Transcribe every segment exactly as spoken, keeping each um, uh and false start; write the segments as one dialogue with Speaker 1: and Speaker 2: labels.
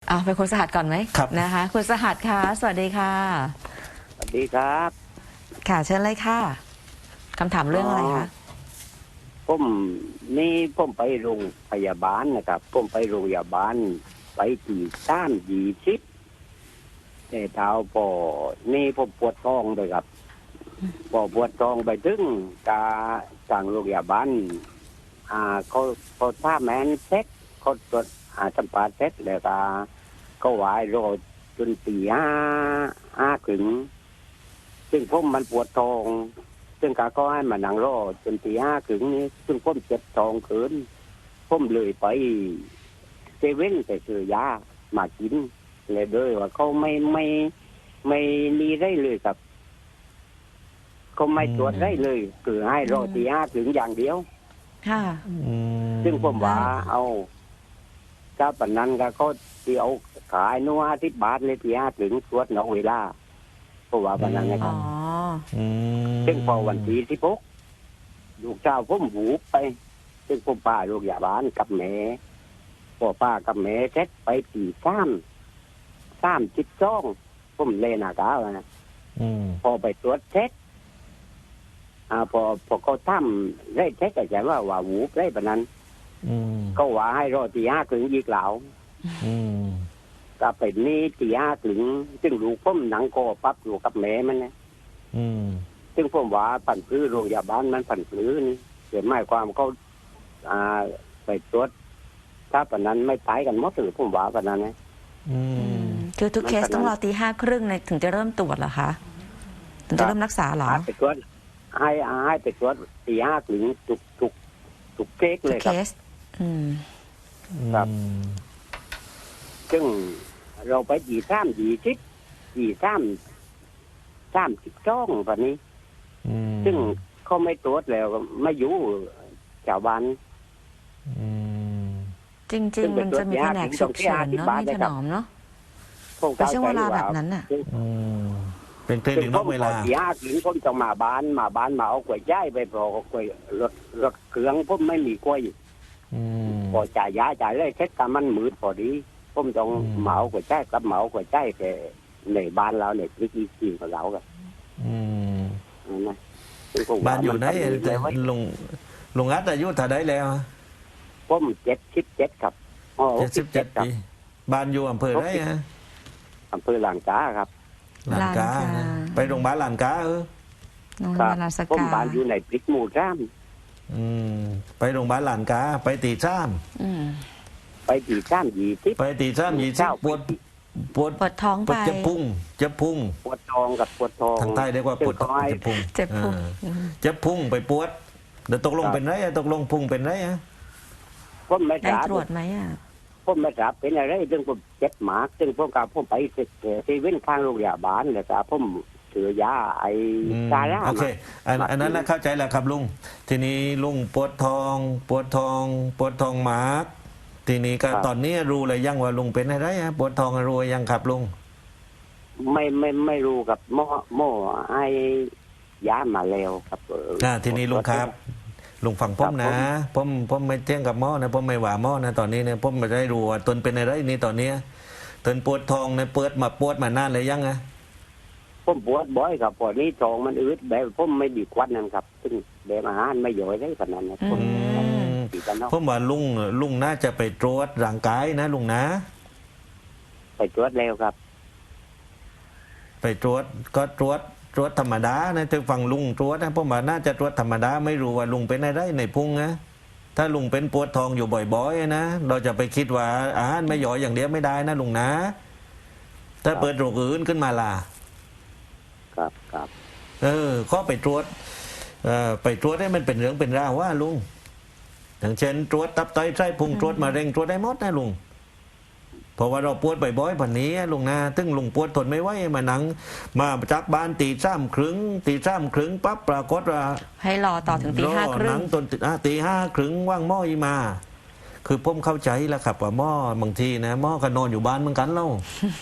Speaker 1: อ่าเป็นคุณสหัสก่อนไหม
Speaker 2: ครับ
Speaker 1: นะคะคุณสหัสค่ะสวัสดีค่ะ
Speaker 3: สวัสดีครับ
Speaker 1: ค่ะเชิญเลยค่ะคำถามเรื่องอะไรคะ
Speaker 3: ผมนี่ผมไปโรงพยาบาลนะครับผมไปโรงพยาบาลไปตีต้านยีชิปแต่เท้าพอนี่ผมปวดท้องเลยครับพอปวดท้องไปถึงกาสั่งโรงพยาบาลอ่าเขาเขาท่าแมนเซ็ตเขาตรวจอ่าสัมภาษณ์เซ็ตแล้วก็เขาไหวายรอจนตีห้าห้าถึงซึ่งผมมันปวดท้องซึ่งกาก็ให้มานั่งรอจนตีห้าถึงนี้ซึ่งผมเจ็บท้องเกินผมเลยไปเซเว่นไปซื้อยามากินเลยด้วยว่าเขาไม่ไม่ไม่มีได้เลยครับเขาไม่ตรวจได้เลยคือให้รอตีห้าถึงอย่างเดียว
Speaker 1: ค่ะ
Speaker 3: ซึ่งผมว่าเอาถ้าปนนั้นก็เขาที่เอาขายนัวที่บาทเลยตีห้าถึงตรวจนอกเวลาเพราะว่าปนนั้นนะค
Speaker 1: อ๋
Speaker 3: รั
Speaker 1: อบ
Speaker 3: ซึ่งพอวันที่ที่พกลูกเจ้าผมหูไป ซึ่งผมป้าลูกยาบ้านกับแม่พ่อป้ากับแม่เซ็ตไปตีซ้ำซ้ำจิตจ้องผมเล่นอากาศนะพอไปตรวจเซ็ตอ่าพอพอเขาทำได้เซ็ตแต่ใจว่าว่าหูได้ปนนั้นก็ว่าให้รอตีห้าถึงยีกเหลาก็เป็นนี่ตีห้าถึงซึ่งลูกผมหนังคอปั๊บลูกกับแม่มันนะซึ่งผมว่าผันพื้นโรงพยาบาลมันผันพื้นนี่เกิดหมายความเขาอ่าไปตรวจถ้าปนนั้นไม่ตายกันหมดหรือผมว่าปนนั้นนะ
Speaker 1: คือทุกเคสต้องรอตีห้าครึ่งในถึงจะเริ่มตรวจเหรอคะถึงจะเริ่มรักษาเหรอ
Speaker 3: ให้ไปตรวจให้ให้ไปตรวจตีห้าถึงทุกทุกทุกเคสเลย
Speaker 1: เค
Speaker 3: ครับ
Speaker 1: สอืม
Speaker 3: ครับซึ่งเราไปยีซ้ำยีชิดยีซ้ำซ้ำสิบจ้องแบบนี้ซึ่งเขาไม่ตรวจแล้วไม่อยู่ชาวบ้าน
Speaker 1: จริง ๆ มันจะมีแผนกฉุกเฉินเนาะมีถนอมเนาะในช่วงเวลาแบบนั้นน่ะ
Speaker 2: เป็นเครดิตนอกเวลา
Speaker 3: ตีห้าถึงผมจะมาบ้านมาบ้านมาเอากล้วยย้ายไปพอกล้วยรถรถเครื่องผมไม่มีกล้วยพอจ่ายยาจ่ายเลยเช็ดกันมันมืดพอดีผมต้องเหมากล้วยย้ายกับเหมากล้วยย้ายแต่ในบ้านเราเนี่ยวิธีกินของเรากันนะ
Speaker 2: บ้านอยู่ไหนลุงลุงอัดอายุเท่าไดแล้ว
Speaker 3: ผมเจ็ดสิบเจ็ดครับอ๋อ
Speaker 2: เจ็ดสิบเจ็ดปีบ้านอยู่อำเภอไหนฮะ
Speaker 3: อำเภอหลางกาครับ
Speaker 2: หลานกาไปโรงพยาบาลหลานกาเออ
Speaker 1: โรงพ
Speaker 3: ค
Speaker 1: ยา
Speaker 3: รับบ
Speaker 1: าลราช
Speaker 3: ผม
Speaker 1: กา
Speaker 3: บ้านอยู่ในพริกหมู่จ้าม
Speaker 2: อืมไปโรงพยาบาลหลานกาไปตีซ้
Speaker 1: อืม
Speaker 3: ไปตีจ้ามยีทิพ
Speaker 2: ำไปตีซ้ำยี่สิบปวดปวด
Speaker 1: ปวดท้อง
Speaker 2: ปว
Speaker 1: ไป
Speaker 2: ดเจ็บพุงเจ็บพุง
Speaker 3: ปวดท้องกับปวดท้อง
Speaker 2: ทางใต้เรียกว่าปวด
Speaker 3: ซึ่งเขาให้
Speaker 2: เจ็บพุง
Speaker 1: เจ็บพุง
Speaker 2: อ่าเจ็บพุงไปปวดเดี๋ยวตกลงเป็นไรอะตกลงพุงเป็นไรอะ
Speaker 3: ผมไม่
Speaker 1: ได้
Speaker 3: ทราบ
Speaker 1: ตรวจไหมอ่ะ
Speaker 3: ผมไม่ทราบเป็นอะไรซึ่งผมเจ็บหมากซึ่งผมกับผมไปเซเว่นข้างโรงพยาบาลเลยครับผมถือยาไอ้ซาร่า
Speaker 2: โอเคอันอันนั้นนะเข้าใจแล้วครับลุงทีนี้ลุงปวดทอง ปวดทอง ปวดทองหมากทีนี้ก็ตอนนี้รู้เลยยังว่าลุงเป็นอะไรอะปวดทองรู้ยังครับลุง
Speaker 3: ไม่ไม่ไม่รู้กับหม้อหม้อไอ้ยามาแล้วครับ
Speaker 2: อ่าทีนี้ลุงครับลุงฟังผมนะผมผมไม่เที่ยงกับหม้อนะผมไม่หว่าหม้อนะตอนนี้เนี่ยผมไม่ได้รู้ว่าตนเป็นอะไรนี่ตอนนี้ตนปวดทองเนี่ยเปิดมาปวดมานานเลยยังไง
Speaker 3: ผมปวดบ่อยครับพอนี้ท้องมันอืดแบบผมไม่ดีควันนั่นครับซึ่งแบบอาหารไม่ย่อยได้ขนาดนั้นผมดีกันเนาะ
Speaker 2: ผมว่าลุงลุงน่าจะไปตรวจร่างกายนะลุงนะ
Speaker 3: ไปตรวจแล้วครับ
Speaker 2: ไปตรวจก็ตรวจตรวจธรรมดานะถึงฟังลุงตรวจนะผมว่าน่าจะตรวจธรรมดาไม่รู้ว่าลุงเป็นอะไรในพุงนะถ้าลุงเป็นปวดท้องอยู่บ่อยๆนะเราจะไปคิดว่าอาหารไม่ย่อยอย่างเดียวไม่ได้นะลุงนะถ้าเปิดโรคอื่นขึ้นมาล่ะ
Speaker 3: ครับครับ
Speaker 2: เออข้อไปตรวจเอ่อไปตรวจให้มันเป็นเรื่องเป็นราวว่าลุงอย่างเช่นตรวจตับไตไส้พุงตรวจมะเร็งตรวจได้หมดนะลุงเพราะว่าเราปวดบ่อยๆแบบนี้ลุงนะตึงลุงปวดทนไม่ไหวมาหนังมาจากบ้านตีซ้ำครึ่งตีซ้ำครึ่งปั๊บปรากฏว่า
Speaker 1: ให้รอต่อถึงตีห้าครึ่
Speaker 2: หนั
Speaker 1: ง
Speaker 2: งตนอ่ะตีห้าครึ่งว่างหม้ออีมา คือผมเข้าใจแล้วครับว่าหม้อบางทีนะหม้อก็นอนอยู่บ้านเหมือนกันเล่า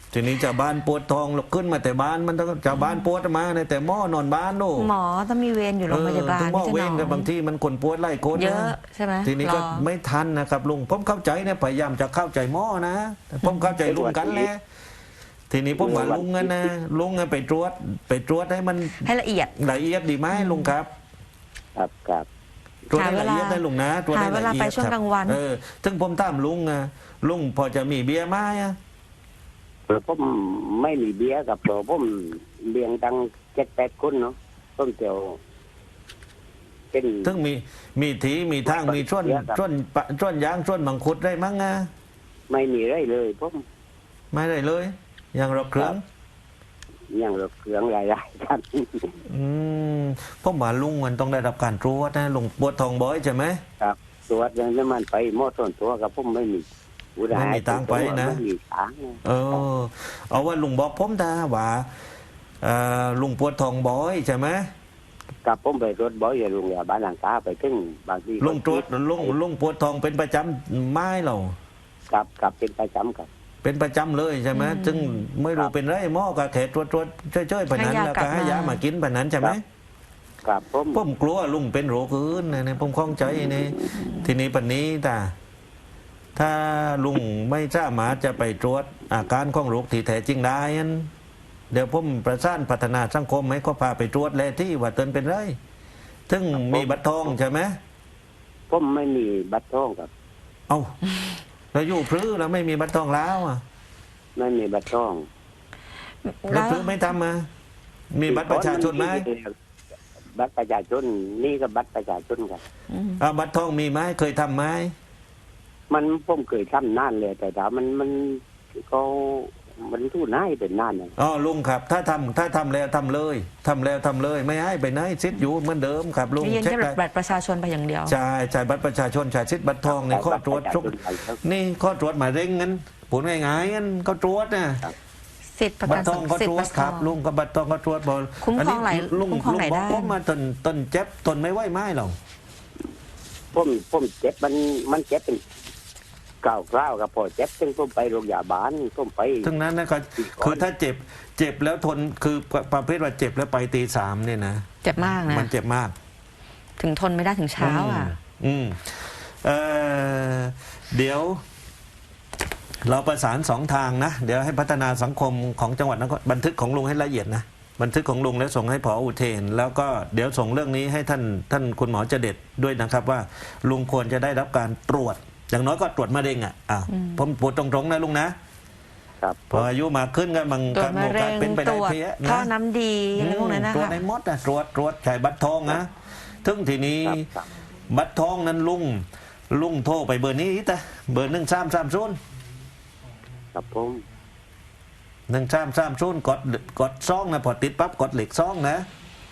Speaker 2: ทีนี้ชาวบ้านปวดท้องลุกขึ้นมาแต่บ้านมันต้องชาวบ้านปวดมาในแต่หม้อนอนบ้านโน่
Speaker 1: หมอต้องมีเวรอยู่โรงพยาบาล
Speaker 2: ถึงหม้อ
Speaker 1: พี่
Speaker 2: เว
Speaker 1: ถ
Speaker 2: ร
Speaker 1: น
Speaker 2: กั
Speaker 1: อบ
Speaker 2: บาง
Speaker 1: ม
Speaker 2: ที่มันคนปวดไล่คน
Speaker 1: เย
Speaker 2: นะ
Speaker 1: อะใช่ไหม
Speaker 2: ทีนี้ก็
Speaker 1: รอ
Speaker 2: ไม่ทันนะครับลุงผมเข้าใจเนี่ยพยายามจะเข้าใจหม้อนะแต่ผมเข้าใจลุงกันแหละทีนี้ผมว่าลุงกันนะลุงอะไปตรวจไปตรวจให้มัน
Speaker 1: ให้ละเอียด
Speaker 2: ละเอียดดีไหมลุงครับ
Speaker 3: ครับครับ
Speaker 2: ตรวจให้ละเอียดได้ลุงนะตรวจให้
Speaker 1: หาเว
Speaker 2: ละ
Speaker 1: ลา
Speaker 2: เอีย
Speaker 1: ไป
Speaker 2: ด
Speaker 1: ช่วง
Speaker 2: ค
Speaker 1: ก
Speaker 2: รั
Speaker 1: ลา
Speaker 2: บ
Speaker 1: งวัน
Speaker 2: เออถึงผมถามลุงอะลุงพอจะมีเบียร์ไหมอะ
Speaker 3: เพราะผมไม่มีเบี้ยกับเพราะผมเลี้ยงตั้งเจ็ดแปดคนเนาะต้นเตียวเป็น
Speaker 2: ถึงมีมีถีมีทางมีช่วน
Speaker 3: เบียร์ครับ
Speaker 2: ช่วนปะช่วนยางช่วนมังคุดได้มั้งอะ
Speaker 3: ไม่มีไรเลยผม
Speaker 2: ไม่ได้เลยอย่างเราเครื่อง
Speaker 3: อย่างรถเครื่องหลายๆกัน
Speaker 2: อืมผมว่าลุงมันต้องได้รับการตรวจนะลุงปวดท้องบ่อยใช่ไหม
Speaker 3: ครับตัวจยังจะมันไปหมดส่วนตัวกับผมไม่มีผู้ใด
Speaker 2: ไม่มีตังค์ไปนะ
Speaker 3: ไม่มีตังค์
Speaker 2: เออ เอาว่าลุงบอกผมตาว่าเอ่อลุงปวดท้องบ่อยใช่ไหม
Speaker 3: กับผมไปรถบ่อยอย่าลุงอย่าบ้านหลังกาไปถึงบางที
Speaker 2: ลุงตรวจลุงลุงปวดท้องเป็นประจำไม่หรอ
Speaker 3: กับกับเป็นประจำกับ
Speaker 2: เป็นประจำเลยใช่ไหมซึ่งไม่รู้เป็นไรหม้อก็แค่ตรวจตรวจช่วยๆปนั้นแล้วก็ให้ยามากินปนั้นใช่ไหม
Speaker 3: กับผม
Speaker 2: ผมกลัวลุงเป็นโรคอื่นนะเนี่ยผมคล่องใจนี่ทีนี้ปันนี้ตาถ้าลุงไม่สามารถจะไปตรวจอาการของโรคที่แท้จริงได้นั้น เดี๋ยวผมประสานพัฒนาสังคมให้เขาพาไปตรวจแลที่ว่าเตือนเป็นไรถึงมีบัตรทองใช่ไหม
Speaker 3: ผมไม่มีบัตรทองครับ
Speaker 2: เอาเราอยู่พลื้อเราไม่มีบัตรทองแล้วอ่ะ
Speaker 3: ไม่มีบัตรทอง
Speaker 2: เราพลื้อไม่ทำมามีบัตรประชาชนไหม
Speaker 3: บัตรประชาชนนี่ก็บัตรประชาชนครับ
Speaker 1: อืม
Speaker 2: เอาบัตรทองมีไหมเคยทำไหม
Speaker 3: มันผมเคยทำนานเลยแต่ถามมันมันก็มันทู่น่ายเป็นนานเลย
Speaker 2: อ๋อลุงครับ ถ้าทำถ้าทำแล้วทำเลยทำแล้วทำเลย ไม่ให้ไปไหนซิดอยู่เหมือนเดิมครับลุง
Speaker 1: ยืน
Speaker 2: เช็ค
Speaker 1: แค่
Speaker 2: ได้
Speaker 1: บัตรประชาชนไปอย่างเดียว
Speaker 2: ใช่ใช่บัตรประชาชนใช่ซิดบัตรทองในข้อตรวจทุกนี่ข้อตรวจหมายเร่งงั้นผลง่ายๆงั้นเขาตรวจนะ
Speaker 1: สิทธิ์ประ
Speaker 2: บั
Speaker 1: กั
Speaker 2: ต
Speaker 1: น
Speaker 2: รทองก็
Speaker 1: สิท
Speaker 2: ตร
Speaker 1: ธิ์
Speaker 2: ว
Speaker 1: ป
Speaker 2: จ
Speaker 1: ระ
Speaker 2: ค
Speaker 1: กั
Speaker 2: รับ
Speaker 1: น
Speaker 2: ลุงกับบัตรทองก็ตรวจบอล
Speaker 1: คุ้มครองหลาย
Speaker 2: ลุง
Speaker 1: คุ้มครอง
Speaker 2: ลุง
Speaker 1: หลาย
Speaker 2: บอก
Speaker 1: ด้าน
Speaker 2: ผมมาตนตนเจ็บตนไม่ไหวไม้หรอก
Speaker 3: ผมผมเจ็บมันมันเจ็บเป็นเก่าวกล้าวกับพอเจ็บซึ่งผมไปโรงพยาบาลผมไป
Speaker 2: ทั้งนั้นนะก็คือถ้าเจ็บเจ็บแล้วทนคือประเภทว่าเจ็บแล้วไปตีสามเนี่ยนะ
Speaker 1: เจ็บมากนะ
Speaker 2: มันเจ็บมาก
Speaker 1: ถึงทนไม่ได้ถึงเช้าอ่ะ
Speaker 2: อืมเอ่อเดี๋ยว เราประสานสองทางนะ เดี๋ยวให้พัฒนาสังคมของจังหวัดนครบันทึกของลุงให้ละเอียดนะบันทึกของลุงแล้วส่งให้ผออุเทน แล้วก็เดี๋ยวส่งเรื่องนี้ให้ท่านท่านคุณหมอเจเด็ดด้วยนะครับ ว่าลุงควรจะได้รับการตรวจ อย่างน้อยก็ตรวจมะเร็งอ่ะอ่ะผมพูดตรงๆนะลุงนะครับ พออายุมากขึ้นก็มัน
Speaker 1: ตรวจมะเร็ง
Speaker 2: เป็นไป
Speaker 1: ต
Speaker 2: ได้
Speaker 1: รวจ
Speaker 2: เพี้ย
Speaker 1: ท่อ
Speaker 2: นะ
Speaker 1: น้ำดีอะไรพวกนั้นนะ
Speaker 2: ตรวจ
Speaker 1: คะ
Speaker 2: ในมดนะตรวจตรวจใช้บัตรทองนะถึงทีนี้
Speaker 3: ครับครับ
Speaker 2: บัตรทองนั้นลุงลุงโทรไปเบอร์นี้แต่เบอร์หนึ่งสามสามศูนย์
Speaker 3: กับผม
Speaker 2: หนึ่งสามสามศูนย์กดกดซองนะพอติดปั๊บกดเหล็กซองนะ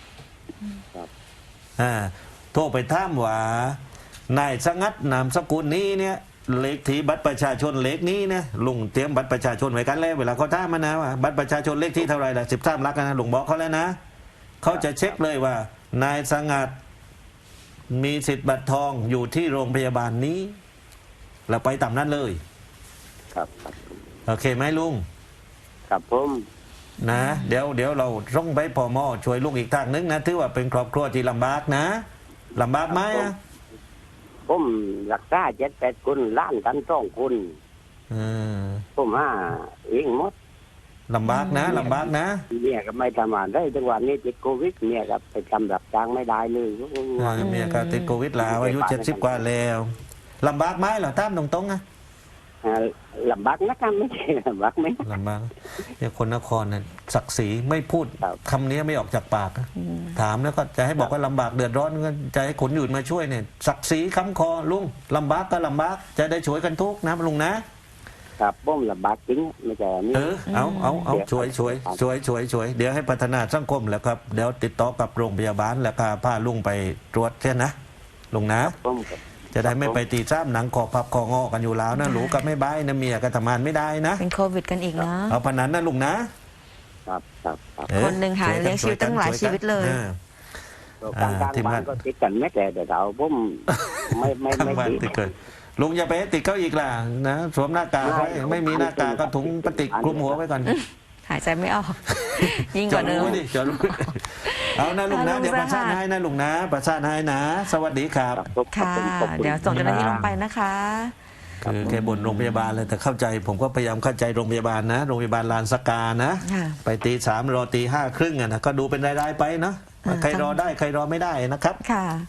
Speaker 2: อ่าโทรไปถามว่านายสงัดนามสกุลนี้เนี่ยเลขที่บัตรประชาชนเลขนี้เนี่ยลุงเตรียมบัตรประชาชนไว้กันแล้วเวลาเขาถามมานะว่าบัตรประชาชนเลขที่เท่าไหร่ล่ะสิบสามลักษณ์นะลุงบอกเขาแล้วนะเขาจะเช็คเลยว่า นายสงัดมีสิทธิ์บัตรทองอยู่ที่โรงพยาบาลนี้เราไปตามนั้นเลย
Speaker 3: ครับครับ
Speaker 2: โอเคไหมลุง
Speaker 3: กับผม
Speaker 2: นะเดี๋ยวเดี๋ยวเราต้องไปพอมอช่วยลุงอีกทางนึงนะถือว่าเป็นครอบครัวที่ลำบากนะลำบากไหมอะ
Speaker 3: ผมรักษาเจ็ดแปดคนล้านกันสองคน
Speaker 2: เออ
Speaker 3: ผมห้าเองหมด
Speaker 2: ลำบากนะลำบากนะ
Speaker 3: เมียก็ไม่ทำงานได้จังหวะนี้ติดโควิดเมียก็ไปทำรับจ้างไม่ได้เลย
Speaker 2: เออเมียก็ติดโควิดแล้วอายุเจ็ดสิบกว่าแล้วลำบากไหมเหรอตามตรงๆนะ
Speaker 3: อ่าลำบากนะครับไม่ใช่ลำบากไหม
Speaker 2: ลำบากเนี่ยคนนครเนี่ยศักดิ์ศรีไม่พูด
Speaker 3: ครับ
Speaker 2: คำนี้ไม่ออกจากปากนะถามแล้วก็จะให้บอกว่าลำบากเดือดร้อนก็จะให้คนอื่นมาช่วยเนี่ยศักดิ์ศรีค้ำคอลุงลำบากก็ลำบากจะได้ช่วยกันทุกนะลุงนะครับ
Speaker 3: ผมลำบากจริงไม่ใช่นี่
Speaker 2: เออเอาเอาเอา
Speaker 3: เดี๋ยว
Speaker 2: ช่วยช่วยช่วยช่วยช่วยเดี๋ยวให้พัฒนาสังคมแล้วครับเดี๋ยวติดต่อกับโรงพยาบาลแล้วก็พาลุงไปตรวจแค่นะลุงนะ
Speaker 3: ผมก็
Speaker 2: จะได้ไม่ไปตีซ้ำหนังคอพับคองอกันอยู่แล้วนะหลูกับไม่บายนะเมียก็ทำงานไม่ได้นะ
Speaker 1: เป็นโควิดกันอีกนะ
Speaker 2: เอาพนันนะลุงนะครับ
Speaker 3: ครับครับ
Speaker 2: เออ
Speaker 1: คนหนึ่งหา
Speaker 2: ช่วกั
Speaker 1: เลี้ยงชีวิตตั้งหลาย
Speaker 2: ช่วกัน
Speaker 1: ชีวิตเลย
Speaker 2: ออ
Speaker 3: กลางกลาง
Speaker 2: ทีม
Speaker 3: บ้าง
Speaker 2: าน
Speaker 3: นก็ติดกันไม่แต่แต่เราผมไม่ไม่
Speaker 2: ข้าง
Speaker 3: ไม่
Speaker 2: บ้าน
Speaker 3: ติด
Speaker 2: ติดเกินลุงอย่าไปให้ติดเขาอีกล่ะนะสวมหน้ากากไว้ไม่มีหน้ากากก็ถุงพลาสติกคลุมหัวไว้ก่อน
Speaker 1: หายใจไม่ออก ยิ่งกว่าเดิม
Speaker 2: จอดรู้ดิจอดรู้เอานะลุงนะ
Speaker 1: เอาลุง
Speaker 2: เดี๋ยวประสาน
Speaker 1: สหัส
Speaker 2: ให้นะลุงนะประสานให้นะ สวัสดีครับ
Speaker 3: ครับผม
Speaker 1: ค่ะ
Speaker 3: ขอบณ
Speaker 1: เดี๋ยวส่งเจ้าหน้าที่ลงไปนะคะ
Speaker 2: คือแกบ่นโรงพยาบาลเลยแต่เข้าใจ ผมก็พยายามเข้าใจโรงพยาบาลนะโรงพยาบาลลานสกานะ
Speaker 1: ค่ะ
Speaker 2: ไปตีสามรอตีห้าครึ่งอะนะก็ดูเป็นรายๆไปเนาะว่าใครรอได้ใครรอไม่ได้นะครับ
Speaker 1: ค่ะ